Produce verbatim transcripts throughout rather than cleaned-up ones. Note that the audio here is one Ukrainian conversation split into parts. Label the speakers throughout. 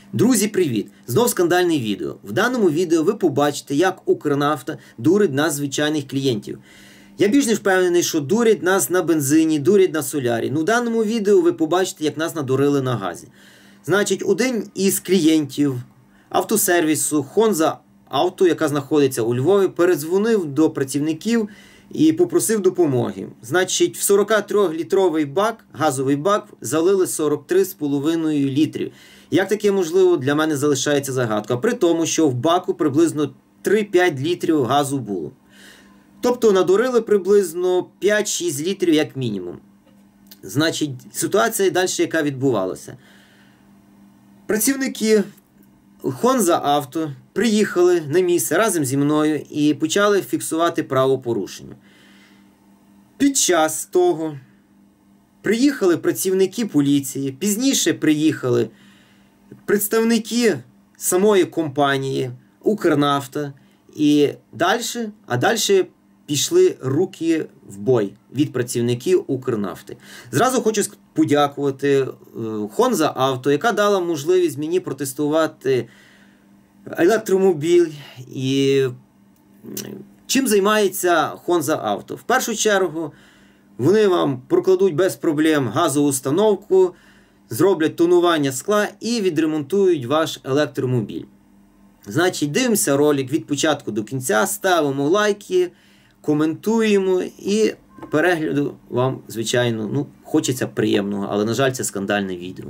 Speaker 1: Друзі, привіт! Знов скандальне відео. В даному відео ви побачите, як Укрнафта дурить нас, звичайних клієнтів. Я більш не впевнений, що дурять нас на бензині, дурять на солярі. Ну, в даному відео ви побачите, як нас надурили на газі. Значить, один із клієнтів автосервісу Хонза Авто, яка знаходиться у Львові, передзвонив до працівників і попросив допомоги. Значить, в сорокатрилітровий бак, газовий бак, залили сорок три з половиною літрів. Як таке можливо, для мене залишається загадка. При тому, що в баку приблизно три-п'ять літрів газу було. Тобто надурили приблизно п'ять-шість літрів як мінімум. Значить, ситуація далі яка відбувалася. Працівники Хонза Авто приїхали на місце разом зі мною і почали фіксувати правопорушення. Під час того приїхали працівники поліції, пізніше приїхали представники самої компанії Укрнафта і далі, а далі пішли руки в бой від працівників Укрнафти. Зразу хочу подякувати Хонза Авто, яка дала можливість мені протестувати електромобіль. І чим займається Хонза Авто? В першу чергу вони вам прокладуть без проблем газову установку, зроблять тонування скла і відремонтують ваш електромобіль. Значить, дивимося ролик від початку до кінця, ставимо лайки, коментуємо і перегляду вам, звичайно, ну, хочеться приємного, але, на жаль, це скандальне відео.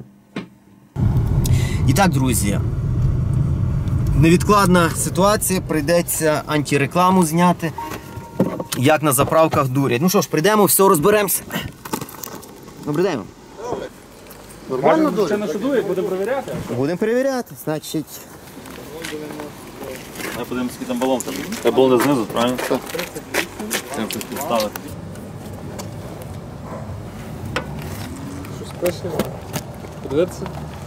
Speaker 1: І так, друзі, невідкладна ситуація, прийдеться антирекламу зняти, як на заправках дурять. Ну що ж, прийдемо, все розберемося. Добре, йдемо.
Speaker 2: Нормально дурять? Ще нашу дурять, будемо перевіряти?
Speaker 1: Будемо перевіряти, значить.
Speaker 2: Я подивимось, який там балон. Це балон знизу, правильно? Так. Це хтось підставити. Щось пише? Подивитися?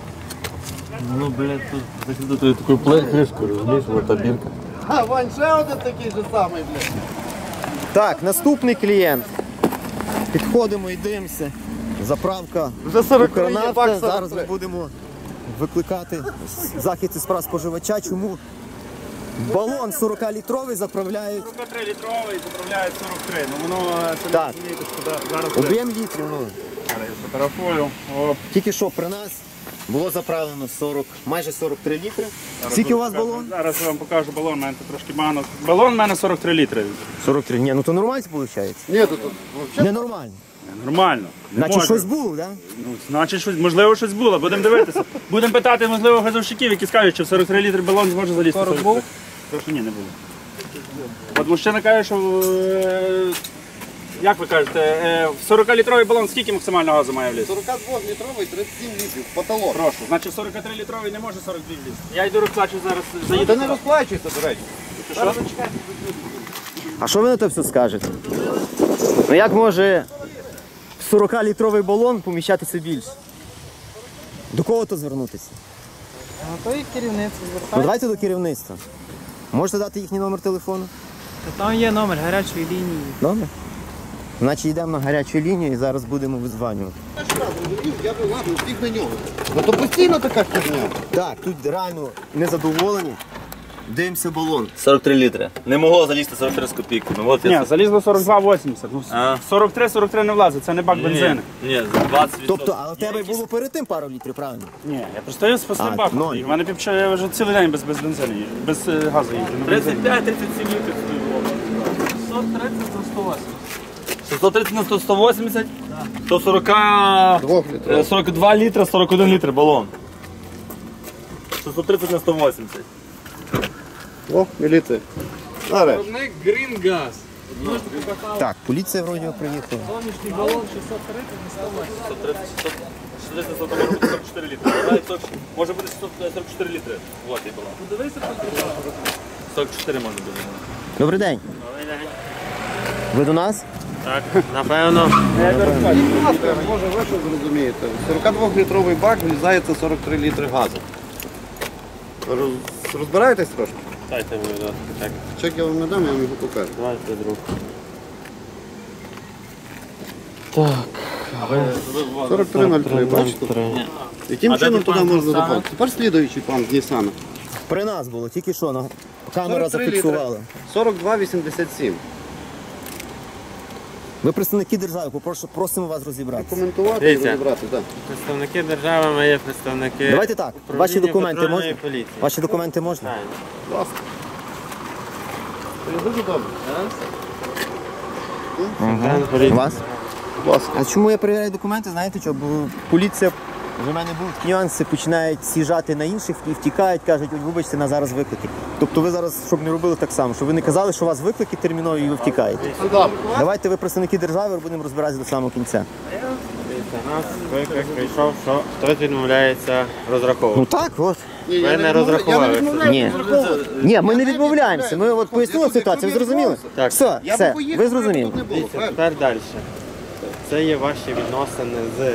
Speaker 2: Ну, блядь, тут закидати такою кришкою, розумієш, ось та бірка.
Speaker 3: А, Вань, ще один такий же самий, блядь.
Speaker 1: Так, наступний клієнт. Підходимо і дивимося. Заправка Укрнафта. Зараз ми будемо викликати захист із прав споживача. Чому балон сорокалітровий заправляють?
Speaker 2: сорок три літровий заправляють сорок три. Ну воно це
Speaker 1: так.
Speaker 2: Не розумієте, що зараз...
Speaker 1: Об'єм літрів, ну.
Speaker 2: Зараз я сфотографую. Оп.
Speaker 1: Тільки що при нас було заправлено сорок, майже сорок три літри. Скільки у вас балон?
Speaker 2: Зараз я вам покажу балон, у мене тут трошки мано. Балон у мене сорок три літри.
Speaker 1: сорок три, ні, ну то нормально виходить?
Speaker 3: Ні, тут взагалі.
Speaker 1: Ненормально.
Speaker 2: Нормально. Не
Speaker 1: Значить,
Speaker 2: може.
Speaker 1: щось було, так?
Speaker 2: Ну, значить, щось, можливо, щось було. Будемо дивитися. Будемо питати, можливо, газовщиків, які скажуть, що в сорок три літри балон зможе залізти. сорок був? Прошу, ні, не було. От мужчина каже, що, е, як ви кажете, е, в сорокалітровий балон скільки максимально газу має влізти?
Speaker 3: сорокадволітровий тридцять сім літрів, потолок.
Speaker 2: Прошу. Значить, сорок три літровий не може сорок дві влізти. Я йду розплачу зараз. Заїду.
Speaker 3: Та не розплачуйся, до речі.
Speaker 2: Що?
Speaker 1: А що ви на це все скажете? Ну як може сорокалітровий балон поміщатися більше? До кого то звернутися?
Speaker 4: Ну, то і керівництво
Speaker 1: Ну
Speaker 4: звертається.
Speaker 1: давайте до керівництва. Можете дати їхній номер телефону?
Speaker 4: Там є номер гарячої лінії.
Speaker 1: Номер? Значить йдемо на гарячу лінію і зараз будемо визванювати.
Speaker 3: Я би ладно, всіх на нього. Ну то постійно така херня.
Speaker 1: Так, тут реально незадоволені. Дивимося балон.
Speaker 5: сорок три літри. Не могло залізти сорок три з копійками. Ну, от
Speaker 2: Ні,
Speaker 5: я...
Speaker 2: залізло сорок два вісімдесят. Ну,
Speaker 5: А.
Speaker 2: сорок три сорок три не влазить, це не бак бензину.
Speaker 5: Ні, ні, двадцять відсотків.
Speaker 1: Тобто, але в тебе було перед тим пару літрів, правильно?
Speaker 2: Ні, я просто з пустим
Speaker 1: А,
Speaker 2: баком.
Speaker 1: ноль.
Speaker 2: У мене півча, я вже цілий день без, без бензину, їжджу, без е, газу їжджу. на бензині.
Speaker 5: тридцять п'ять тридцять сім літрів собі було.
Speaker 4: шістсот тридцять на сто вісімдесят.
Speaker 5: шістсот тридцять на сто сто вісімдесят, то сорок,
Speaker 3: Двохлітровий.
Speaker 5: сорок два літра, сорок один літр балон. шістсот тридцять на сто вісімдесят.
Speaker 3: О, міліція. Зараз.
Speaker 4: Виробник Green Gas.
Speaker 1: Так, поліція вроді приїхала.
Speaker 4: Сонячний балон шістсот тридцять на сто вісімдесят.
Speaker 5: шістсот тридцять, шістсот тридцять, може бути сорок чотири літри. Навіть сорок, може бути шістсот сорок чотири літри. Вот і балон.
Speaker 4: Подивися тут.
Speaker 5: сорок чотири може бути.
Speaker 1: Добрий день. Ви до нас?
Speaker 5: Так, напевно.
Speaker 3: Будь ласка, може ви що зрозумієте. сорокадволітровий бак влізається сорок три літри газу. Роз... Розбираєтесь трошки?
Speaker 5: Дайте мені, будь ласка, так.
Speaker 3: Чек я вам не дам, я вам його покажу.
Speaker 5: Давайте, друг.
Speaker 3: сорок три нуль три, бачите? Яким
Speaker 2: А де
Speaker 3: чином
Speaker 2: ти
Speaker 3: туди
Speaker 2: пан
Speaker 3: можна
Speaker 2: Ніссана?
Speaker 3: заповнити? Тепер слідуючий пан з Нісана.
Speaker 1: При нас було, тільки що, на камера
Speaker 3: сорок три
Speaker 1: зафіксувала.
Speaker 3: літри. сорок два вісімдесят сім.
Speaker 1: Ви представники держави, попрошу, просимо вас розібратися.
Speaker 3: Коментувати і
Speaker 6: Дивіться.
Speaker 3: розібрати, так.
Speaker 6: Представники держави, ми є представники.
Speaker 1: Давайте так,
Speaker 6: управління
Speaker 1: ваші документи
Speaker 6: патрульної
Speaker 1: можна?
Speaker 6: поліції.
Speaker 1: Ваші документи можна?
Speaker 6: Так.
Speaker 3: Будь ласка. Це дуже добре.
Speaker 6: Сержант поліції.
Speaker 1: Вас?
Speaker 3: Будь ласка.
Speaker 1: А чому я перевіряю документи? Знаєте що? Бо поліція, вже в мене будуть такі нюанси, починають сіжати на інших і втікають, кажуть, ой, вибачте, на зараз виклики. Тобто ви зараз, щоб не робили так само, щоб ви не казали, що у вас виклики термінові і ви втікаєте.
Speaker 3: Сюди.
Speaker 1: Давайте ви представники держави, будемо розбиратися до самого кінця.
Speaker 6: Дивіться, нас виклик прийшов, що хтось відмовляється розраховувати.
Speaker 1: Ну так, от.
Speaker 3: Ні,
Speaker 6: Ви
Speaker 3: я
Speaker 6: не
Speaker 3: відмовляю-
Speaker 6: розрахувалися.
Speaker 3: Я не відмовляю
Speaker 1: Ні.
Speaker 3: розраховувати.
Speaker 1: Ні, ми
Speaker 3: Я
Speaker 1: не
Speaker 3: навіть
Speaker 1: відмовляємося. Ми от пояснили
Speaker 3: Я
Speaker 1: ситуацію, ви
Speaker 3: тут
Speaker 1: зрозуміли?
Speaker 6: Так.
Speaker 1: Все,
Speaker 3: Я би
Speaker 1: все,
Speaker 3: поїхав,
Speaker 1: ви
Speaker 3: якби
Speaker 1: зрозуміли.
Speaker 3: тут не було.
Speaker 6: Дивіться,
Speaker 3: правильно?
Speaker 6: тепер далі. Це є ваші відносини з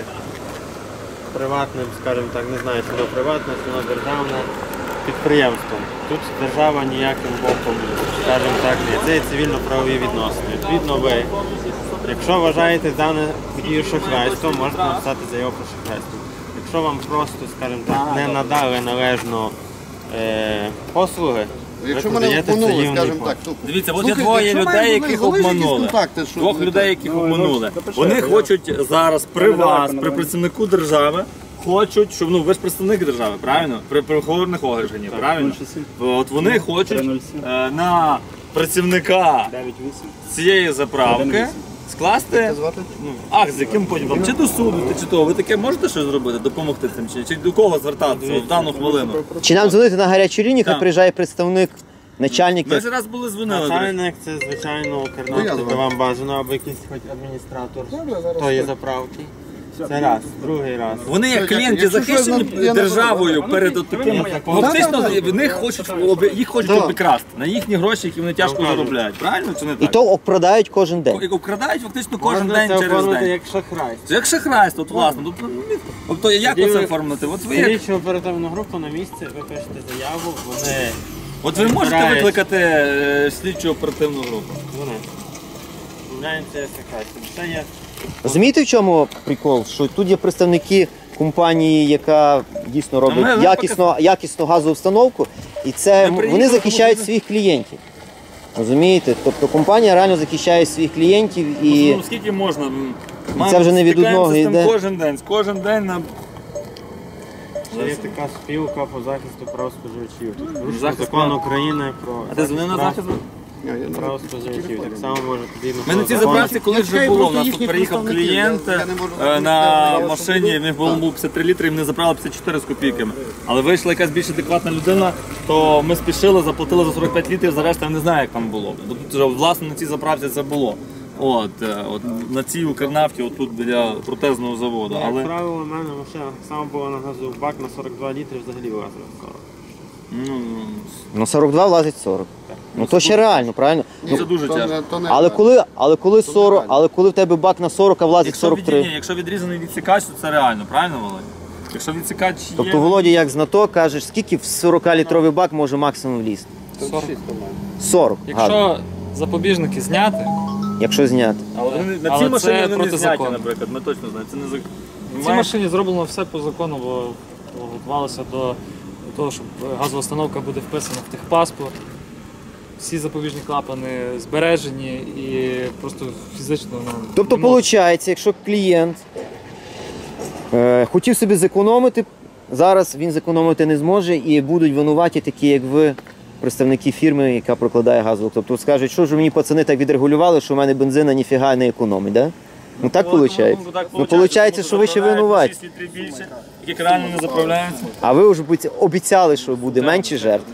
Speaker 6: приватним, скажімо так, не знаю, чи воно приватне, чи воно державне підприємством. Тут держава ніяким боком, скажімо так, не є. Це є цивільно-правові відносини. Відповідно, ви, якщо вважаєте дане подію шахрайством, можете написати заяву про шахрайство. Якщо вам просто, скажімо так, не надали належно е, послуги,
Speaker 3: Якщо
Speaker 6: ви
Speaker 3: мене
Speaker 6: подаєте
Speaker 3: обманули,
Speaker 6: заявний
Speaker 3: скажімо
Speaker 6: позов.
Speaker 3: так, то...
Speaker 5: Дивіться, от є
Speaker 3: Слухайте,
Speaker 5: двоє
Speaker 3: якщо
Speaker 5: людей,
Speaker 3: мають
Speaker 5: яких
Speaker 3: залишитись
Speaker 5: обманули.
Speaker 3: контакти, що
Speaker 5: Двох
Speaker 3: ви
Speaker 5: людей,
Speaker 3: так?
Speaker 5: яких обманули. Вони хочуть зараз при вас, при працівнику держави, хочуть, щоб ну ви ж представник держави, правильно? При правоохоронних органів, правильно? От вони хочуть е, на працівника цієї заправки скласти
Speaker 3: звати?
Speaker 5: ну, акт, з яким потім там чи до суду, чи того. Ви таке можете щось зробити, допомогти цим чи, чи до кого звертатися в дану хвилину?
Speaker 1: Чи нам дзвонити на гарячу лінію, хай
Speaker 5: Так.
Speaker 1: приїжджає представник, начальник.
Speaker 5: Ми ж раз були дзвонили. до речі.
Speaker 6: Начальник це, звичайно, Кернавський, то вам бажано, або якийсь хоч адміністратор тої заправки. Це раз. Другий раз.
Speaker 5: Вони як клієнти
Speaker 3: Якщо щось
Speaker 5: захищені
Speaker 3: нам- я не
Speaker 5: державою перед от таким. Фактично в них хочуть об- їх хочуть
Speaker 3: Так.
Speaker 5: обікрасти на їхні гроші, які вони тяжко заробляють. Правильно чи не
Speaker 1: І
Speaker 5: так?
Speaker 1: то обкрадають кожен день.
Speaker 5: Як обкрадають фактично кожен
Speaker 6: Можна
Speaker 5: день
Speaker 6: це
Speaker 5: через
Speaker 6: оформити
Speaker 5: день.
Speaker 6: як шахрайство.
Speaker 5: Це як шахрайство, от власне. Тобто, ну, Тобто як
Speaker 6: Тоді
Speaker 5: оце
Speaker 6: ви-
Speaker 5: оформити? От ви як-
Speaker 6: Слідчу оперативну групу на місці, ви пишете заяву, вони
Speaker 5: от ви можете
Speaker 6: Збирають.
Speaker 5: викликати е, слідчу оперативну групу.
Speaker 6: вони відмовляються шахрайством. Це є
Speaker 1: Розумієте, в чому прикол? Що тут є представники компанії, яка дійсно
Speaker 5: ми-
Speaker 1: робить
Speaker 5: ми
Speaker 1: якісно, якісну газову установку, і це
Speaker 5: Ми приїхали,
Speaker 1: вони захищають
Speaker 5: тому
Speaker 1: своїх клієнтів. Розумієте? Тобто компанія реально захищає своїх клієнтів і
Speaker 5: Ну скільки можна? М,
Speaker 1: це вже не від
Speaker 5: стикаємося
Speaker 1: одного
Speaker 5: з тим
Speaker 1: йде.
Speaker 5: кожен день. Кожен день нам
Speaker 6: Ще є така спілка по захисту прав споживачів. Порушення
Speaker 5: Захист
Speaker 6: закон
Speaker 5: прав.
Speaker 6: України про
Speaker 5: А ти дзвонив на
Speaker 6: прав-
Speaker 5: захист?
Speaker 3: Ні, я не-
Speaker 6: прав споживачів. Так само може тоді
Speaker 5: Ми на цій заправці колись вже
Speaker 3: чекаю
Speaker 5: було. У
Speaker 3: просто
Speaker 5: нас
Speaker 3: їхні
Speaker 5: тут приїхав
Speaker 3: представники.
Speaker 5: клієнт
Speaker 3: Я- я не можу
Speaker 5: е,
Speaker 3: зрозуміти,
Speaker 5: на
Speaker 3: я
Speaker 5: машині, в них було п'ятдесят три літри, і вони заправили п'ятдесят чотири з копійками. Але вийшла якась більш адекватна людина, то ми спішили, заплатили за сорок п'ять літрів, за решту я не знаю, як там було. Тут вже, власне на цій заправці це було. От, е, от на цій Укрнафті, отут біля протезного заводу.
Speaker 6: Як
Speaker 5: Але
Speaker 6: правило, у мене машина так само була на газу бак на сорок два літри, взагалі влазила сорок.
Speaker 5: ну,
Speaker 1: ну, сорок два влазить сорок. Ну то ще реально, правильно?
Speaker 5: ну, це дуже
Speaker 3: То
Speaker 5: тяжко.
Speaker 3: не- то не-
Speaker 1: Але коли, але коли сорок, але коли в тебе бак на сорок, а влазить
Speaker 5: Якщо,
Speaker 1: сорок
Speaker 5: від,
Speaker 1: три.
Speaker 5: ні, якщо відрізаний відсікач, то це реально, правильно, Володь? Якщо відсікач є...
Speaker 1: Тобто Володя як знаток кажеш, скільки в сорокалітровий бак може максимум влізти? сорок. Гарно.
Speaker 4: Якщо запобіжники зняти,
Speaker 1: Якщо зняти.
Speaker 5: Але вони- на
Speaker 4: Але
Speaker 5: цій
Speaker 4: це
Speaker 5: машині вони не
Speaker 4: проти
Speaker 5: зняті,
Speaker 4: закону.
Speaker 5: наприклад, ми точно знаємо. Це не зак...
Speaker 4: в цій
Speaker 5: Має-
Speaker 4: машині зроблено все по закону, бо бо готувалося до того, щоб газова установка буде вписана в техпаспорт. Всі запобіжні клапани збережені і просто фізично. Ну,
Speaker 1: Тобто,
Speaker 4: не можна.
Speaker 1: виходить, якщо клієнт е, хотів собі зекономити, зараз він зекономити не зможе і будуть винуваті такі, як ви, представники фірми, яка прокладає газову. Тобто скажуть, що ж мені пацани так відрегулювали, що в мене бензина ніфіга не економить, да? Ну так виходить.
Speaker 5: Ну, так
Speaker 1: Ну, виходить, що ви ще винуваті.
Speaker 5: шість літрів більше, які реально не заправляються.
Speaker 1: А ви вже будь- обіцяли, що буде менше жертв.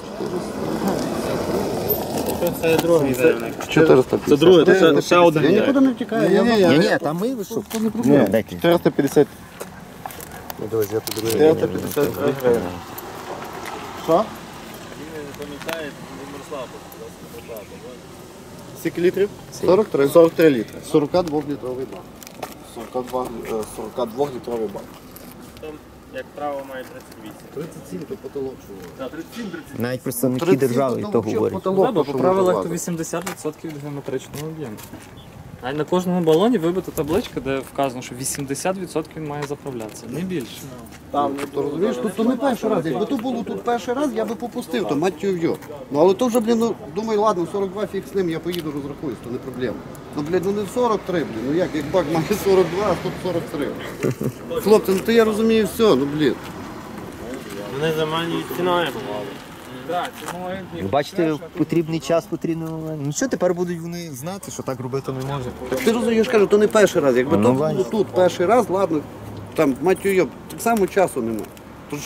Speaker 6: Це другий заявник.
Speaker 3: чотириста п'ятдесят.
Speaker 5: Це друге, це ще, ще один.
Speaker 3: Я
Speaker 5: є.
Speaker 3: нікуди не втікаю. Я- я-
Speaker 1: Ні,
Speaker 3: я-
Speaker 1: ні, там ми ви що?
Speaker 3: Це не проблема.
Speaker 1: Дайте.
Speaker 3: чотириста п'ятдесят. чотириста п'ятдесят гривень. Що? Скільки літрів? сорок три. сорок три літри. сорок два літровий бак. сорок два, е, сорок два літровий бак.
Speaker 6: Там, як право, має тридцять вісім.
Speaker 3: тридцять сім то потолок.
Speaker 1: Навіть представники держави і то говорять.
Speaker 4: Да, бо по правилах то вісімдесят відсотків від геометричного об'єму. А на кожному балоні вибита табличка, де вказано, що вісімдесят відсотків він має заправлятися, не більше.
Speaker 3: Там, то розумієш, тут то не перший раз. Якби то було тут перший раз, я би попустив, то мать його. Ну але то вже, блін, ну, думаю, ладно, сорок два фіг з ним, я поїду розрахуюсь, то не проблема. Ну, блін, ну не сорок три, блін, ну як, як бак має сорок два, а тут сорок три. Хлопці, ну то я розумію все, ну блін.
Speaker 6: Вони заманюють ціною.
Speaker 1: Ви бачите, потрібний час, потрібний момент. Ну що, тепер будуть вони знати, що так робити не можна.
Speaker 3: Ти розумієш, я ж кажу, то не перший раз. Якби
Speaker 1: Ну,
Speaker 3: то
Speaker 1: бачиш.
Speaker 3: було тут перший раз, ладно, там, мать його, так само часу нема. Тож,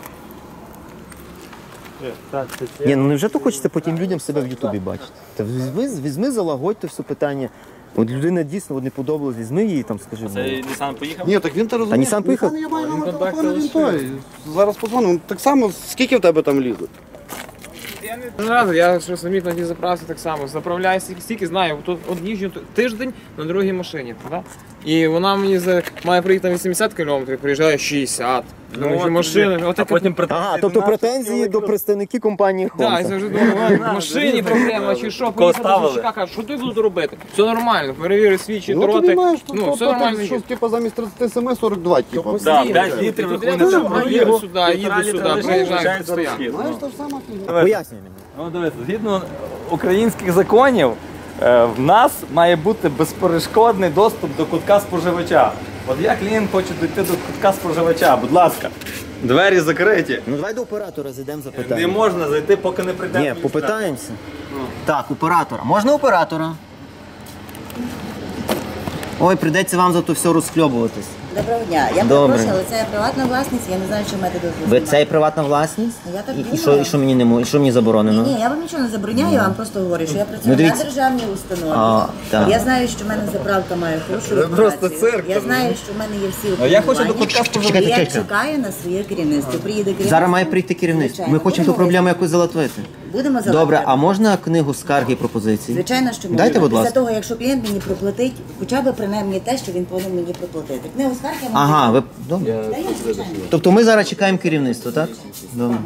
Speaker 1: Ні, ну невже то хочеться потім людям себе в Ютубі бачити? Та візьми, візьми, залагодь то все питання. От людина дійсно от не подобалась, візьми її там, скажи.
Speaker 5: Це
Speaker 1: ну.
Speaker 5: Нісан поїхав?
Speaker 3: ні, так він то розуміє.
Speaker 1: Нісан поїхав?
Speaker 3: Я маю номер телефону, він той. Зараз подзвонимо. Так само, скільки в тебе там лізуть?
Speaker 7: Разу, я що самі на тій заправці так само заправляю стільки, стільки знаю, тут от їжджу тиждень на другій машині. Да? І вона мені за, має приїхати на вісімдесят кілометрів, приїжджає шістдесят. Ну,
Speaker 5: от,
Speaker 7: машини,
Speaker 5: а
Speaker 7: отак,
Speaker 5: потім претензії
Speaker 1: Ага,
Speaker 5: до
Speaker 1: тобто
Speaker 5: нас,
Speaker 1: претензії
Speaker 5: що
Speaker 1: до представників компанії
Speaker 7: Так, я
Speaker 1: Honda.
Speaker 7: завжди думаю, в машині проблема, чи що, поїхати до
Speaker 5: ставили?
Speaker 7: Сушака, каже, що ти буду робити? Все нормально, перевіри свічі,
Speaker 3: Ну, ти
Speaker 7: дроти,
Speaker 3: маєш, то,
Speaker 7: ну,
Speaker 3: то,
Speaker 7: все
Speaker 3: то,
Speaker 7: нормально.
Speaker 3: що, типу, замість тридцять сім сорок два, типу.
Speaker 5: Да, п'ять літрів
Speaker 7: Тут
Speaker 5: виходить
Speaker 7: я
Speaker 5: на
Speaker 7: там
Speaker 5: пробігу,
Speaker 7: їду сюди, їду
Speaker 5: півтора
Speaker 7: сюди,
Speaker 5: літра
Speaker 7: приїжджаю,
Speaker 5: лишається
Speaker 7: постійно.
Speaker 5: розхід.
Speaker 3: Знаєш, то ж сама фігня.
Speaker 1: Пояснюй мені.
Speaker 5: Ну, дивіться, згідно українських законів, е, в нас має бути безперешкодний доступ до кутка споживача. От я клієнт хочу дійти до кутка споживача, будь ласка. Двері закриті.
Speaker 1: Ну давай до оператора зайдемо
Speaker 5: Не
Speaker 1: запитаємо.
Speaker 5: можна зайти, поки не прийде.
Speaker 1: Ні,
Speaker 5: адміністратор.
Speaker 1: попитаємося. Так, оператора. Можна оператора? Ой, прийдеться вам за то все розхльобуватись.
Speaker 8: Доброго дня. Я
Speaker 1: Добре.
Speaker 8: перепрошую, але це приватна власність, я не знаю, що маєте дозволу.
Speaker 1: Ви це і приватна власність?
Speaker 8: Я так
Speaker 1: І, і,
Speaker 8: думаю.
Speaker 1: що, і що мені не мо- і що мені заборонено?
Speaker 8: Ні, я вам нічого не забороняю, я вам просто говорю, що я
Speaker 1: Ну,
Speaker 8: працюю
Speaker 1: дивіться.
Speaker 8: на державній установі.
Speaker 1: А, так.
Speaker 8: Я знаю, що в мене заправка має хорошу репутацію. Я знаю, що в мене є всі
Speaker 5: А я хочу до
Speaker 8: обґрунтування.
Speaker 5: кутка споживача.
Speaker 8: І я
Speaker 1: Чекайте,
Speaker 8: чекаю на своє керівництво. Приїде керівництво.
Speaker 1: Зараз має прийти керівництво. Ми
Speaker 8: Звичайно.
Speaker 1: хочемо ту
Speaker 8: Будемо
Speaker 1: проблему якось залатвити.
Speaker 8: Будемо
Speaker 1: Добре,
Speaker 8: заладити.
Speaker 1: а можна книгу скарги і пропозицій?
Speaker 8: Звичайно, що можна.
Speaker 1: Дайте, будь
Speaker 8: Після
Speaker 1: ласка.
Speaker 8: того, якщо клієнт мені проплатить, хоча б принаймні те, що він повинен мені проплатити. Книгу скарги я можу.
Speaker 1: Ага, ви добре.
Speaker 8: Даю, звичайно.
Speaker 1: Тобто ми зараз чекаємо керівництво, так? Добре.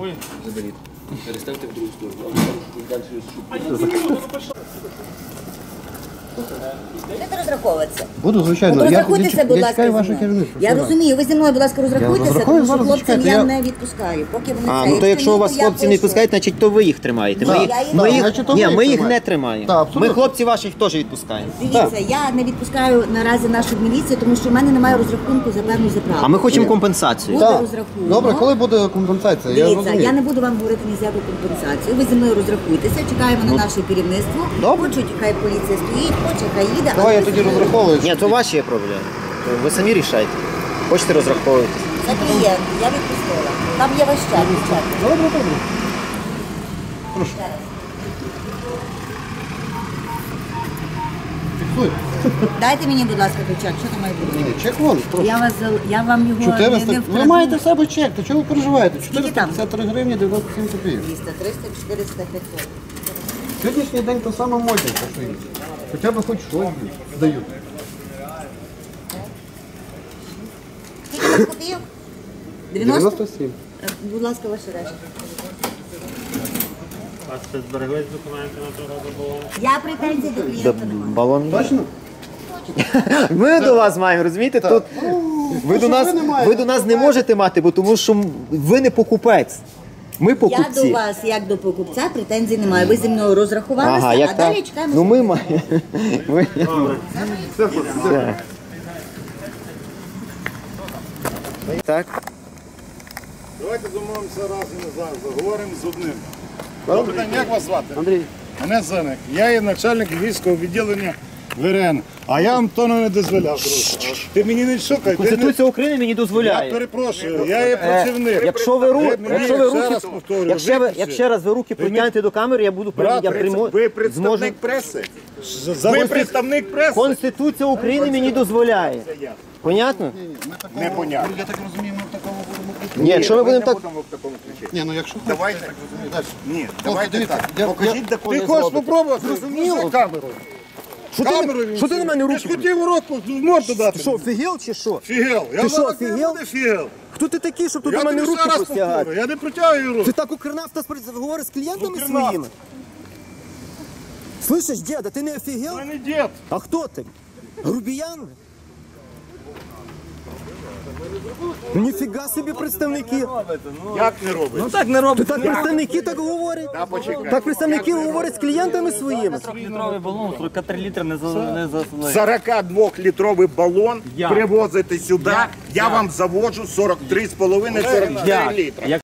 Speaker 8: Будете розраховуватися?
Speaker 3: Буду, звичайно.
Speaker 8: От
Speaker 3: Я-
Speaker 8: розрахуйтеся,
Speaker 3: я-
Speaker 8: будь
Speaker 3: я
Speaker 8: ласка,
Speaker 3: чекаю
Speaker 8: зі
Speaker 3: ваше
Speaker 8: мною.
Speaker 3: керівництво.
Speaker 8: Я
Speaker 3: Все,
Speaker 8: розумію, ви зі мною, будь ласка, розрахуйтеся,
Speaker 3: розрахую,
Speaker 8: тому що
Speaker 3: зараз
Speaker 8: хлопцям
Speaker 3: чекайте,
Speaker 8: я
Speaker 3: я-
Speaker 8: не відпускаю. Поки вони
Speaker 1: А,
Speaker 8: це.
Speaker 1: ну то якщо
Speaker 8: ні,
Speaker 1: у вас
Speaker 8: то я
Speaker 1: хлопці не
Speaker 8: пишу.
Speaker 1: відпускають, значить то ви їх тримаєте. Ми,
Speaker 8: Так,
Speaker 1: їх-
Speaker 8: я їх-
Speaker 1: ми,
Speaker 8: Так,
Speaker 1: їх,
Speaker 3: значить, то
Speaker 1: ні,
Speaker 3: ви
Speaker 1: ми їх
Speaker 3: тримаєте.
Speaker 1: не тримаємо.
Speaker 3: Так, абсолютно.
Speaker 1: Ми хлопців ваших теж відпускаємо.
Speaker 8: Дивіться, я не відпускаю наразі нашу міліцію, тому що в мене немає розрахунку за певну заправку.
Speaker 1: А ми хочемо компенсацію.
Speaker 8: Буде
Speaker 3: Так.
Speaker 8: розрахунок.
Speaker 3: Добре, коли буде компенсація? Я
Speaker 8: Дивіться,
Speaker 3: розумію.
Speaker 8: я не буду вам говорити ні з яку компенсацію. Ви зі мною розрахуйтеся, чекаємо на наше керівництво.
Speaker 3: Добре.
Speaker 8: Хочуть, хай поліція стоїть, хоче, хай їде.
Speaker 3: Давай
Speaker 8: але
Speaker 3: я
Speaker 8: ви
Speaker 3: тоді
Speaker 8: зі мною-
Speaker 3: розраховую.
Speaker 1: Ні, то ваші є проблеми. То ви самі рішайте. Хочете розраховуватись.
Speaker 8: Це клієнт, я відпустила. Там є ваш чат, дівчата.
Speaker 3: Добре, добре. Фіксуй.
Speaker 8: Дайте мені, будь ласка, той чек, що там має бути?
Speaker 3: Ні, чек вон, прошу.
Speaker 8: Я, вас, зал- я вам його не, не
Speaker 3: чотириста. Ви
Speaker 8: вкраду.
Speaker 3: маєте в себе чек, то чого ви переживаєте?
Speaker 8: там?
Speaker 3: чотириста п'ятдесят три гривні дев'яносто сім копійок.
Speaker 8: двісті, триста, чотириста, п'ятсот.
Speaker 3: Сьогоднішній день то саме модне, що є. Хоча б хоч щось дають.
Speaker 8: Скільки копійок? дев'яносто?
Speaker 3: дев'яносто сім.
Speaker 8: Е, Будь ласка, ваші речі.
Speaker 6: У вас ще збереглись документи на того балону?
Speaker 8: Я претензій до клієнта не маю.
Speaker 1: Балон.
Speaker 3: Точно?
Speaker 1: Ми до вас маємо, розумієте? Тут ви до
Speaker 3: що
Speaker 1: нас
Speaker 3: ви не маєте?
Speaker 1: ви до нас не можете мати, бо тому що ви не покупець. Ми
Speaker 8: Я до
Speaker 1: покупці.
Speaker 8: вас, як до покупця, претензій не маю. Ви зі мною розрахувалися,
Speaker 1: Ага,
Speaker 8: а
Speaker 1: як так?
Speaker 8: далі чекаємо.
Speaker 1: Ну ми маємо. Ми- Все. Так.
Speaker 9: Давайте домовимося раз і назад, заговоримо з одним. Добрий день, як вас звати?
Speaker 3: Андрій.
Speaker 9: Мене Зеник. Я є начальник львівського відділення ВРН. А я вам тону не дозволяв, друже. Ти мені не шукай. Ти не...
Speaker 1: Конституція України мені
Speaker 9: Я
Speaker 1: дозволяє.
Speaker 9: перепрошую, я є працівник.
Speaker 1: Якщо ви ру,
Speaker 9: Ви мені
Speaker 1: якщо ви
Speaker 9: ще
Speaker 1: руки,
Speaker 9: раз повторюю,
Speaker 1: якщо ви,
Speaker 9: виключи.
Speaker 1: якщо раз ви руки протягнете до камери, я буду
Speaker 9: Брат,
Speaker 1: я прийму,
Speaker 9: ви
Speaker 1: зможу.
Speaker 9: представник преси. Ви представник преси?
Speaker 1: Конституція України мені дозволяє. Понятно?
Speaker 9: Непонятно.
Speaker 3: Я так розумію, ми в такому будемо ключі.
Speaker 1: Ні, якщо ми будемо
Speaker 9: не
Speaker 1: так.
Speaker 9: будемо в такому ключі.
Speaker 3: Ні, ну якщо хочете,
Speaker 9: Давайте.
Speaker 3: я так розумію. Далі.
Speaker 9: Ні,
Speaker 3: Хлопці,
Speaker 9: давайте
Speaker 3: дивіться,
Speaker 9: так.
Speaker 3: я-
Speaker 9: Покажіть, де
Speaker 3: я-
Speaker 9: коли Ти хочеш спробувати?
Speaker 1: Зрозуміло.
Speaker 9: Камеру.
Speaker 1: Що ти,
Speaker 9: Камеру
Speaker 1: що ти на мене
Speaker 9: Ти
Speaker 1: руки?
Speaker 9: ж хотів уроку в морду дати.
Speaker 1: Що, фігел чи що?
Speaker 9: Фігел. Я
Speaker 1: Ти що,
Speaker 9: зараз
Speaker 1: фігел?
Speaker 9: не фігел.
Speaker 1: Хто ти такий, щоб тут
Speaker 9: Я
Speaker 1: на мене
Speaker 9: тобі
Speaker 1: руки
Speaker 9: ще раз
Speaker 1: простягати?
Speaker 9: повторю, я не протягую руку.
Speaker 1: Ти так укрнавта говориш з клієнтами
Speaker 9: Укрнафта.
Speaker 1: своїми? Слышиш, діда, ти не офігел?
Speaker 9: Я не дід.
Speaker 1: А хто ти? Грубіян? Ну, ніфіга собі представники.
Speaker 9: Як не робить?
Speaker 5: Ну так не робить.
Speaker 1: То так представники так говорять.
Speaker 9: Та почекай.
Speaker 1: Так представники говорять з клієнтами своїми.
Speaker 5: Літровий балон, сорок три літри не засилає.
Speaker 9: сорокадвохлітровий балон
Speaker 5: Я.
Speaker 9: привозите сюди, я вам заводжу сорок три з половиною - сорок чотири літра.
Speaker 5: Як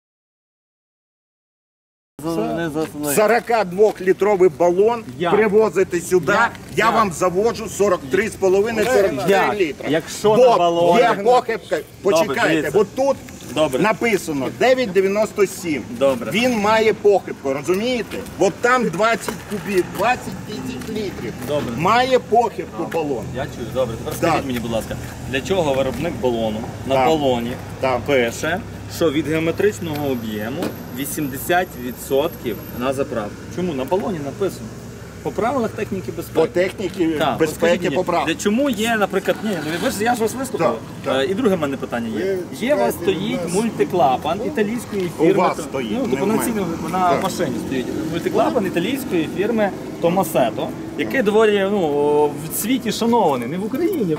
Speaker 5: не засилає.
Speaker 9: сорокадвохлітровий балон
Speaker 5: Я.
Speaker 9: привозите сюди,
Speaker 5: Я.
Speaker 9: я вам заводжу сорок три з половиною - сорок чотири
Speaker 5: Як?
Speaker 9: літра.
Speaker 5: Якщо на
Speaker 9: Бо
Speaker 5: балоні...
Speaker 9: є похибка, почекайте,
Speaker 5: дивіться.
Speaker 9: бо тут
Speaker 5: Добре.
Speaker 9: написано дев'ять дев'яносто сім.
Speaker 5: Добре.
Speaker 9: Він має похибку, розумієте? От там двадцять кубів, двадцять тисяч літрів.
Speaker 5: Добре.
Speaker 9: Має похибку балон.
Speaker 5: Я чую, добре. Тепер
Speaker 9: Так.
Speaker 5: скажіть мені, будь ласка, для чого виробник балону на
Speaker 9: Так.
Speaker 5: балоні
Speaker 9: Так.
Speaker 5: пише, що від геометричного об'єму вісімдесят відсотків на заправку? Чому? На балоні написано. По правилах техніки безпеки.
Speaker 9: По техніці
Speaker 5: Так, от скажіть
Speaker 9: безпеки
Speaker 5: мені,
Speaker 9: поправ.
Speaker 5: для чому є, наприклад, ні, ну ви ж я ж вас вислухав.
Speaker 9: Так, так.
Speaker 5: Е, І друге в мене питання є.
Speaker 9: Ви
Speaker 5: Є у вас
Speaker 9: чекайте,
Speaker 5: стоїть
Speaker 9: у нас-
Speaker 5: мультиклапан італійської фірми.
Speaker 9: У вас
Speaker 5: то-
Speaker 9: стоїть,
Speaker 5: Ну,
Speaker 9: не
Speaker 5: тобто
Speaker 9: в
Speaker 5: на
Speaker 9: мене.
Speaker 5: цій на
Speaker 9: Так.
Speaker 5: машині стоїть. Мультиклапан італійської фірми Томасето, який доволі ну, в світі шанований, не в Україні.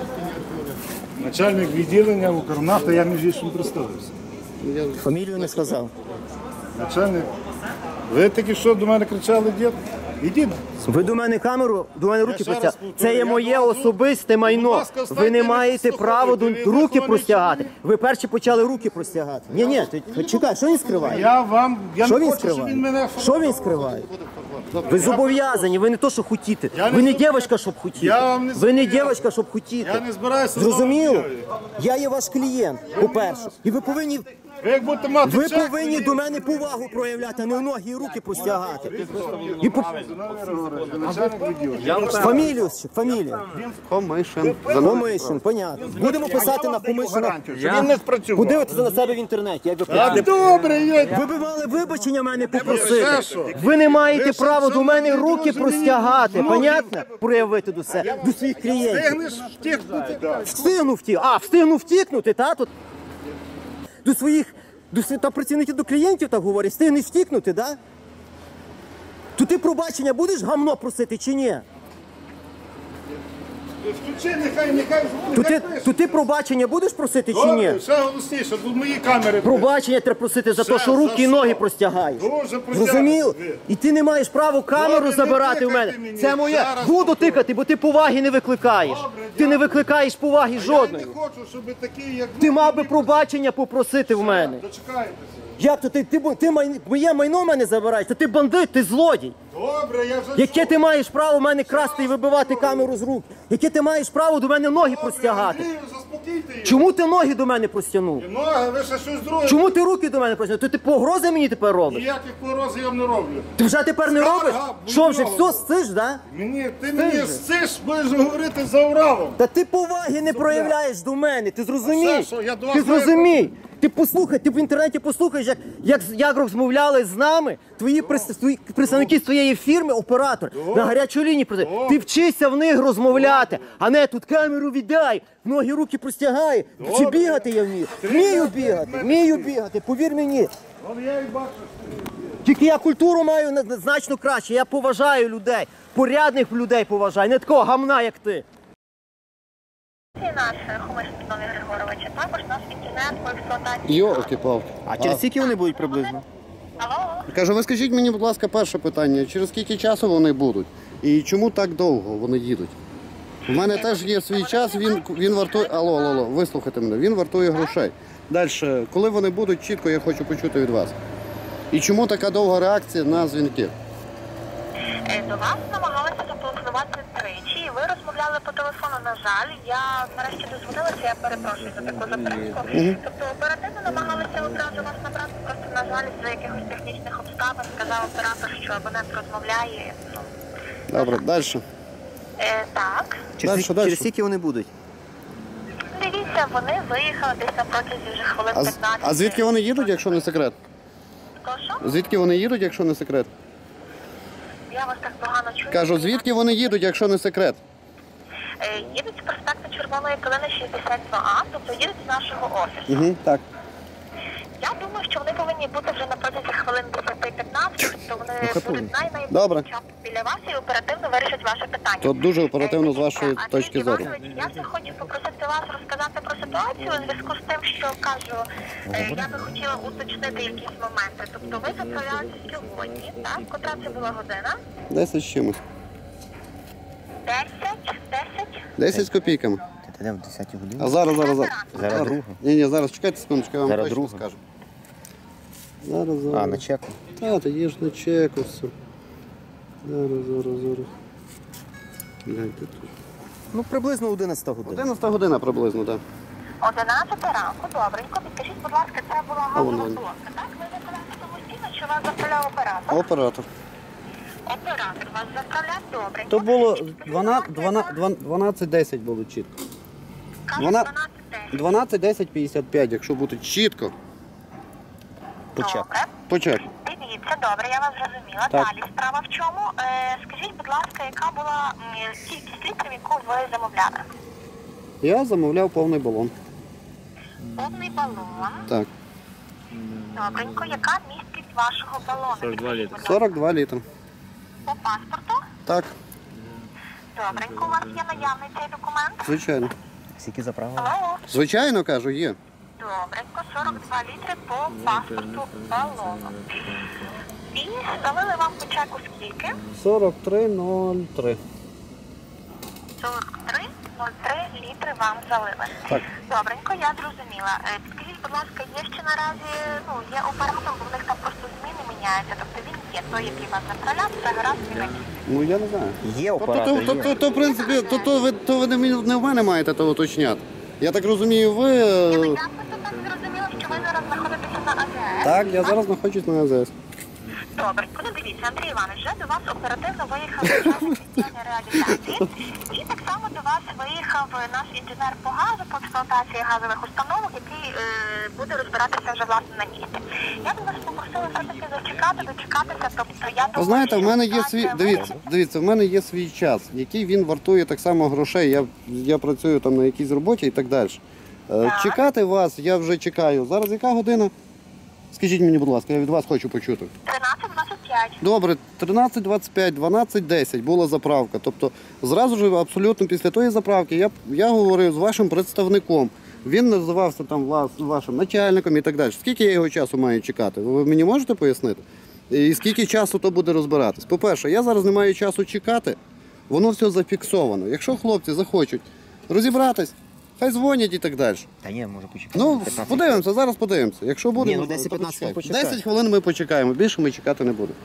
Speaker 9: Начальник відділення Укрнафти, я між іншим представився.
Speaker 1: Фамілію не сказав.
Speaker 9: Начальник, ви тільки що до мене кричали, дід? Ідіть.
Speaker 1: Ви до мене камеру, до мене руки
Speaker 9: ще раз
Speaker 1: простягати.
Speaker 9: повторюю,
Speaker 1: Це є
Speaker 9: я
Speaker 1: моє
Speaker 9: вам-
Speaker 1: особисте
Speaker 9: Будь
Speaker 1: майно.
Speaker 9: ласка,
Speaker 1: Ви
Speaker 9: встаньте,
Speaker 1: не
Speaker 9: не
Speaker 1: маєте права до
Speaker 9: послухайте, ви
Speaker 1: руки
Speaker 9: вихований
Speaker 1: простягати.
Speaker 9: чоловік.
Speaker 1: Ви перші почали руки простягати. Ні, ні, ти чекай, що він скриває?
Speaker 9: Я вам, я
Speaker 1: Що
Speaker 9: не
Speaker 1: він
Speaker 9: хочу, щоб
Speaker 1: скриває?
Speaker 9: він мене...
Speaker 1: Що він скриває? Ви зобов'язані, ви не то, що хотіте.
Speaker 9: Я не
Speaker 1: Ви не
Speaker 9: зобов'язаний.
Speaker 1: дівчинка, щоб хотіти.
Speaker 9: Я вам не
Speaker 1: Ви не
Speaker 9: зобов'язаний.
Speaker 1: дівчинка, щоб хотіти.
Speaker 9: Я не збираюся...
Speaker 1: Зрозуміло?
Speaker 9: знову
Speaker 1: Я є ваш клієнт, по-перше. І ви повинні,
Speaker 9: Ви як будете мати
Speaker 1: ви
Speaker 9: чек,
Speaker 1: повинні до мене повагу проявляти, а не ноги і руки простягати. І по...
Speaker 9: начальник відділення.
Speaker 1: Фамілію, ще, фамілія.
Speaker 3: Комишин.
Speaker 1: Комишин, понятно. Будемо писати на Комишина.
Speaker 9: Гарантію, що він не спрацював.
Speaker 1: Подивитися на себе в інтернеті, як ви
Speaker 9: А,
Speaker 1: хочете.
Speaker 9: добре, є.
Speaker 1: Ви б мали вибачення мене
Speaker 9: Це
Speaker 1: попросити.
Speaker 9: що?
Speaker 1: Ви не маєте
Speaker 9: Ви
Speaker 1: права
Speaker 9: що,
Speaker 1: до мене
Speaker 9: не
Speaker 1: руки
Speaker 9: розумієте?
Speaker 1: простягати,
Speaker 9: Ну,
Speaker 1: понятно? Проявити до себе, до своїх клієнтів.
Speaker 9: Стигнеш втікнути, так.
Speaker 1: Встигнув втік. А, встигнув втікнути, та тут. До своїх, до св- та працівників, до клієнтів так говорять, встигнеш втікнути, да? То ти пробачення будеш гамно просити чи ні?
Speaker 9: Включи, нехай, нехай.
Speaker 1: То ти,
Speaker 9: нехай пише.
Speaker 1: то ти пробачення будеш просити чи ні?
Speaker 9: Добре, ще голосніше, тут мої камери.
Speaker 1: Пробачення треба просити за те,
Speaker 9: Все,
Speaker 1: що руки і
Speaker 9: за
Speaker 1: ноги
Speaker 9: що?
Speaker 1: простягаєш.
Speaker 9: Дуже простягати.
Speaker 1: Зрозумів? І ти не маєш права камеру
Speaker 9: Добре, не
Speaker 1: забирати в
Speaker 9: тикайте
Speaker 1: мене.
Speaker 9: мені.
Speaker 1: Це моє.
Speaker 9: Зараз
Speaker 1: Буду
Speaker 9: повторю.
Speaker 1: тикати, бо ти поваги не викликаєш.
Speaker 9: Добре,
Speaker 1: Ти не
Speaker 9: дякую.
Speaker 1: викликаєш поваги
Speaker 9: Я
Speaker 1: жодної.
Speaker 9: не хочу, щоб такі, як ви,
Speaker 1: Ти мав би пробачення попросити в мене.
Speaker 9: дочекайтеся.
Speaker 1: Як то ти, ти, бу- ти май- моє майно в мене забираєш? То ти бандит, ти злодій.
Speaker 9: Добре, я вже...
Speaker 1: Яке ти маєш право в мене красти і вибивати камеру з рук? Яке ти маєш право до мене ноги простягати?
Speaker 9: Андрію, заспокійте її.
Speaker 1: Чому ти ноги до мене простягнув?
Speaker 9: Ноги, ви ще щось друге.
Speaker 1: Чому ти руки до мене простягнув? То ти погрози мені тепер робиш?
Speaker 9: Ніяких погроз я вам не роблю.
Speaker 1: Ти вже тепер не
Speaker 9: Скарга,
Speaker 1: робиш?
Speaker 9: будь
Speaker 1: Що вже,
Speaker 9: ласка.
Speaker 1: все, стиш, да?
Speaker 9: Мені, ти мені
Speaker 1: же.
Speaker 9: стиш, будеш говорити за Уралом.
Speaker 1: Та ти поваги не проявляєш до мене, ти зрозумій?
Speaker 9: А що, що, я до вас
Speaker 1: Ти
Speaker 9: маю
Speaker 1: зрозумій? Ти послухай, ти в інтернеті послухаєш, як, як, як розмовляли з нами твої, прис- твої представники з твоєї фірми, оператор, на гарячу лінію. проти- Ти вчися в них розмовляти, а не тут камеру віддай, ноги руки простягай. Чи бігати я вмію? Вмію бігати, вмію бігати, повір мені.
Speaker 9: Вон я і бачу.
Speaker 1: Тільки я культуру маю на- на- значно краще, я поважаю людей, порядних людей поважаю, не такого гамна, як ти.
Speaker 10: Це наш Хомиш Петрові Григоровича, також наш інтернет по експлуатації.
Speaker 3: Йолки-палки.
Speaker 1: А через скільки вони будуть приблизно?
Speaker 10: Алло?
Speaker 3: Кажу, ви скажіть мені, будь ласка, перше питання. Через скільки часу вони будуть? І чому так довго вони їдуть? У мене теж є свій час, він, він вартує... Алло, алло, алло, вислухайте мене, він вартує грошей. Далі, коли вони будуть, чітко я хочу почути від вас. І чому така довга реакція на дзвінки?
Speaker 10: Е, До вас намагалися зателефонувати тричі, і ви розмовляли по телефону. На жаль, я нарешті дозвонилася, я перепрошую за таку затримку. Тобто оперативно намагалися одразу вас набрати, просто, на жаль, за якихось технічних обставин сказав оператор, що абонент розмовляє. Ну,
Speaker 3: Добре, далі.
Speaker 10: е, так.
Speaker 3: Дальше,
Speaker 1: Через,
Speaker 3: дальше.
Speaker 1: через скільки вони будуть?
Speaker 10: Дивіться, вони виїхали десь на протязі вже хвилин
Speaker 3: А, з-
Speaker 10: п'ятнадцять.
Speaker 3: а звідки вони їдуть, якщо не секрет?
Speaker 10: Прошу?
Speaker 3: Звідки вони їдуть, якщо не секрет?
Speaker 10: Я вас так погано чую.
Speaker 3: Кажу, звідки вони їдуть, якщо не секрет?
Speaker 10: Е, Їдуть з проспекту Червоної Калини шістдесят два А, тобто їдуть з нашого офісу.
Speaker 3: Угу, так.
Speaker 10: Я думаю, що вони повинні повинні бути вже на протязі хвилин десять-п'ятнадцять, тобто вони будуть
Speaker 3: Добре.
Speaker 10: найнайближчим часом біля вас і оперативно вирішать ваше питання.
Speaker 3: То дуже оперативно з вашої
Speaker 10: Е,
Speaker 3: точки
Speaker 10: Андрій
Speaker 3: зору.
Speaker 10: Іванович, я ще хочу попросити вас розказати про ситуацію у зв'язку з тим, що кажу, е, я би хотіла уточнити якісь моменти. Тобто ви заправлялися сьогодні, так? Котра це була година?
Speaker 3: Десять з чимось.
Speaker 10: Десять? Десять?
Speaker 3: Десять з копійками.
Speaker 1: Ти в десятій годині?
Speaker 3: А зараз, зараз, зараз.
Speaker 1: Зараз друга.
Speaker 3: Ні, ні, зараз чекайте секундочку, я вам
Speaker 1: Зараз
Speaker 3: точно
Speaker 1: друга.
Speaker 3: скажу. Зараз, зараз.
Speaker 1: А, на чеку.
Speaker 3: Та, та є ж на чеку все. Зараз, зараз, зараз. Гляньте тут.
Speaker 1: Ну, приблизно одинадцята година.
Speaker 3: Одинадцята година приблизно, так.
Speaker 10: Одинадцята ранку, добренько. Підкажіть, будь ласка, це була
Speaker 3: А,
Speaker 10: газова
Speaker 3: вон,
Speaker 10: колонка, так? Ви заправляли самостійно, чи вас заправляв оператор?
Speaker 3: Оператор.
Speaker 10: Оператор вас заправляв добренько.
Speaker 3: То було
Speaker 10: Скажіть, будь ласка,
Speaker 3: дванадцять десять було чітко.
Speaker 10: кажуть,
Speaker 3: дванадцять
Speaker 10: дванадцять десять.
Speaker 3: дванадцять десять п'ятдесят п'ять, якщо бути чітко.
Speaker 1: Почек.
Speaker 10: Добре.
Speaker 3: По чеку.
Speaker 10: Дивіться, добре, я вас зрозуміла.
Speaker 3: Так.
Speaker 10: Далі справа в чому? Е, скажіть, будь ласка, яка була м, кількість літрів, яку ви замовляли?
Speaker 3: Я замовляв повний балон.
Speaker 10: Повний балон.
Speaker 3: Так.
Speaker 10: Добренько. Яка місткість вашого балону?
Speaker 2: сорок два літри.
Speaker 3: сорок два літри.
Speaker 10: По паспорту?
Speaker 3: Так,
Speaker 10: Добренько. У вас є наявний цей документ?
Speaker 3: звичайно.
Speaker 1: Скільки заправили?
Speaker 10: Алло.
Speaker 3: Звичайно, кажу, є.
Speaker 10: Добренько. сорок два літри по паспорту балону. І залили вам по чеку скільки?
Speaker 3: сорок три нуль три.
Speaker 10: сорок три нуль три літри вам залили.
Speaker 3: Так.
Speaker 10: Добренько, я зрозуміла. Е, Скажіть, будь ласка, є ще наразі, ну, є оператор, бо в них там просто зміни міняються. Тобто він є той, який вас заправляв, це гаразд він який.
Speaker 3: Ну я не знаю.
Speaker 1: Є
Speaker 3: То, то,
Speaker 1: оператор,
Speaker 3: то,
Speaker 1: є.
Speaker 3: то, то, в принципі, то, то, ви, то ви не, мені- не в мене маєте то уточняти. Я так розумію, ви.
Speaker 10: Я
Speaker 3: е,
Speaker 10: просто так зрозуміла, що ви зараз знаходитеся на АЗС.
Speaker 3: Так, я зараз знаходжусь на АЗС.
Speaker 10: Добре, ну дивіться, Андрій Іванович, вже до вас оперативно виїхав начальник відділення реалізації. І так само до вас виїхав наш інженер по газу, по експлуатації газових установок, який е, буде розбиратися вже власне на місці. Я б вас попросила все-таки зачекати, дочекатися, тобто я
Speaker 3: Ви
Speaker 10: думаю,
Speaker 3: знаєте, в
Speaker 10: що
Speaker 3: мене є свій.
Speaker 10: ситуація
Speaker 3: Дивіться, дивіться, в мене є свій час, який він вартує так само грошей. Я, я працюю там на якійсь роботі і так далі. Е,
Speaker 10: Так.
Speaker 3: Чекати вас, я вже чекаю. Зараз яка година? Скажіть мені, будь ласка, я від вас хочу почути.
Speaker 10: тринадцять двадцять п'ять.
Speaker 3: Добре, тринадцять двадцять п'ять, дванадцять десять була заправка. Тобто зразу ж абсолютно після тої заправки я, я говорив з вашим представником. Він називався там влас, вашим начальником і так далі. Скільки я його часу маю чекати? Ви мені можете пояснити? І скільки часу то буде розбиратись? По-перше, я зараз не маю часу чекати, воно все зафіксовано. Якщо хлопці захочуть розібратись, хай дзвонять і так далі.
Speaker 1: Та ні, може почекати.
Speaker 3: Ну,
Speaker 1: п'ятнадцять.
Speaker 3: подивимося, зараз подивимося. Якщо буде,
Speaker 1: Ні, ну,
Speaker 3: то
Speaker 1: десять-п'ятнадцять
Speaker 3: почекаємо.
Speaker 1: почекаємо.
Speaker 3: десять хвилин ми почекаємо, більше ми чекати не будемо.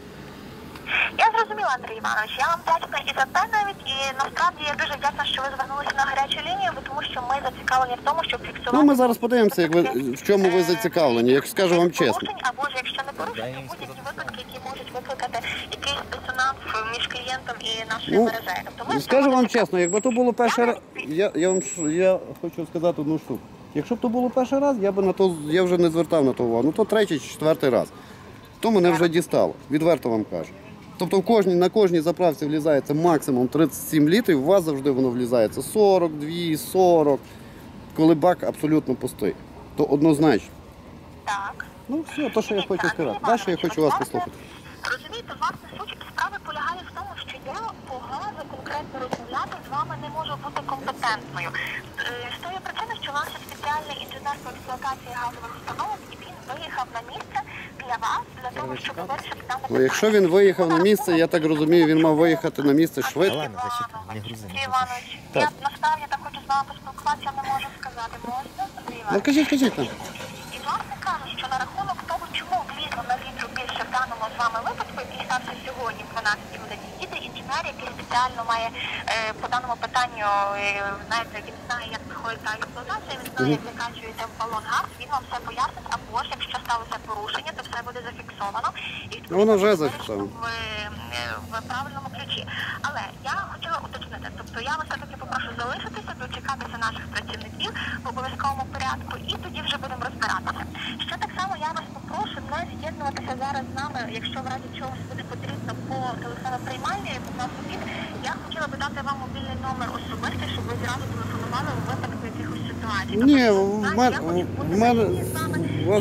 Speaker 10: Я зрозуміла, Андрій Іванович, я вам вдячна і за те навіть, і насправді я дуже вдячна, що ви звернулися на гарячу лінію, бо тому що ми зацікавлені в тому, щоб фіксувати...
Speaker 3: Ну, ми зараз подивимося, як ви, в чому ви зацікавлені, як скажу вам чесно.
Speaker 10: порушень, або ж якщо не порушень, то будь-які випадки, які можуть викликати якийсь дисонанс між клієнтом і нашою
Speaker 3: Ну,
Speaker 10: мережею. Тобто ми
Speaker 3: скажу вам
Speaker 10: зробимо
Speaker 3: чесно, якби то було перший раз, я, я вам ш- я хочу сказати одну штуку. Якщо б то було перший раз, я би на то я вже не звертав на то увагу. Ну то третій чи четвертий раз. То мене вже дістало, відверто вам кажу. Тобто в кожній, на кожній заправці влізається максимум тридцять сім літрів, у вас завжди воно влізається сорок два, сорок, коли бак абсолютно пустий. То однозначно.
Speaker 10: Так.
Speaker 3: Ну все, то, що я хочу сказати.
Speaker 10: Андрій
Speaker 3: Далі я
Speaker 10: Іванович,
Speaker 3: хочу вас
Speaker 10: власне,
Speaker 3: послухати.
Speaker 10: Розумієте, власне, суть справи полягає в тому, що я по газу конкретно розмовляти з вами не можу бути компетентною. Е, З тої причини, що наш спеціальний інженер по експлуатації газових установок, і він виїхав на місце для вас, для того, щоб вирішити дане
Speaker 3: Ну, якщо він виїхав на місце, я так розумію, він мав виїхати на місце швидко.
Speaker 1: Ладно, зачекай, не грузи.
Speaker 10: Андрій Іванович, я насправді так хочу з вами поспілкуватися, не можу сказати. Можна, Андрій
Speaker 3: Ну
Speaker 10: Іванович?
Speaker 3: кажіть, кажіть там.
Speaker 10: І власне кажуть, що на рахунок того, чому влізло на літру більше в даному з вами випадку, який стався сьогодні в дванадцятій годині, їде інженер, який спеціально має е, по даному питанню, е, знаєте, він знає, як проходить та експлуатація, він знає, як закачується в балон газ, він вам все пояснить, або ж якщо сталося порушення, то все буде зафіксовано. І
Speaker 3: Ну, воно вже
Speaker 10: вирішено
Speaker 3: зафіксовано.
Speaker 10: В, е, в правильному ключі. Але я хотіла уточнити, тобто я вас все-таки попрошу залишитися, дочекатися наших працівників в обов'язковому порядку, і тоді вже будемо розбиратися. Ще так само я вас попрошу не з'єднуватися зараз з нами, якщо в разі чогось буде потрібно по телефоноприймальні, по нас обід. Я хотіла би дати вам мобільний номер особистий, щоб ви зразу телефонували у випадку якихось ситуацій.
Speaker 3: Ні,
Speaker 10: Тобто,
Speaker 3: в
Speaker 10: знаєте,
Speaker 3: мене,
Speaker 10: я хочу бути
Speaker 3: в мене,
Speaker 10: на лінії з вами,
Speaker 3: у вас,
Speaker 10: щоб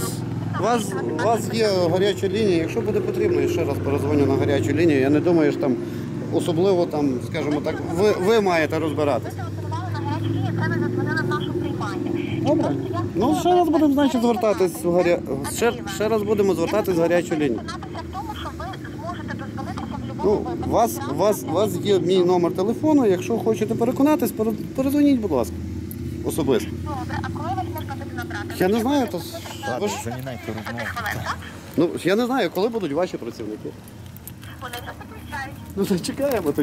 Speaker 3: У вас, у вас є гаряча лінія, якщо буде потрібно, я ще раз перезвоню на гарячу лінію. Я не думаю, що там особливо там, скажімо так, ви, ви маєте розбиратися.
Speaker 10: Телефонували на гарячу лінію, це ви задзвонили в нашу приймальню.
Speaker 3: Добре. Ну, ще раз будемо, значить, звертатись в гаря... ще, ще раз будемо звертатись в гарячу лінію.
Speaker 10: Переконатися в тому, що ви зможете дозвонитися в
Speaker 3: Ну,
Speaker 10: будь-якому випадку.
Speaker 3: у вас, у вас, у вас є мій номер телефону, якщо хочете переконатись, пере- передзвоніть, будь ласка, особисто.
Speaker 10: Добре, а коли вас можна буде набрати?
Speaker 3: Я не знаю, то... ви ж-
Speaker 10: Хвилин, так?
Speaker 3: Ну, я не знаю, коли будуть ваші працівники.
Speaker 10: Вони вже підключають.
Speaker 3: Ну, то чекаємо тоді.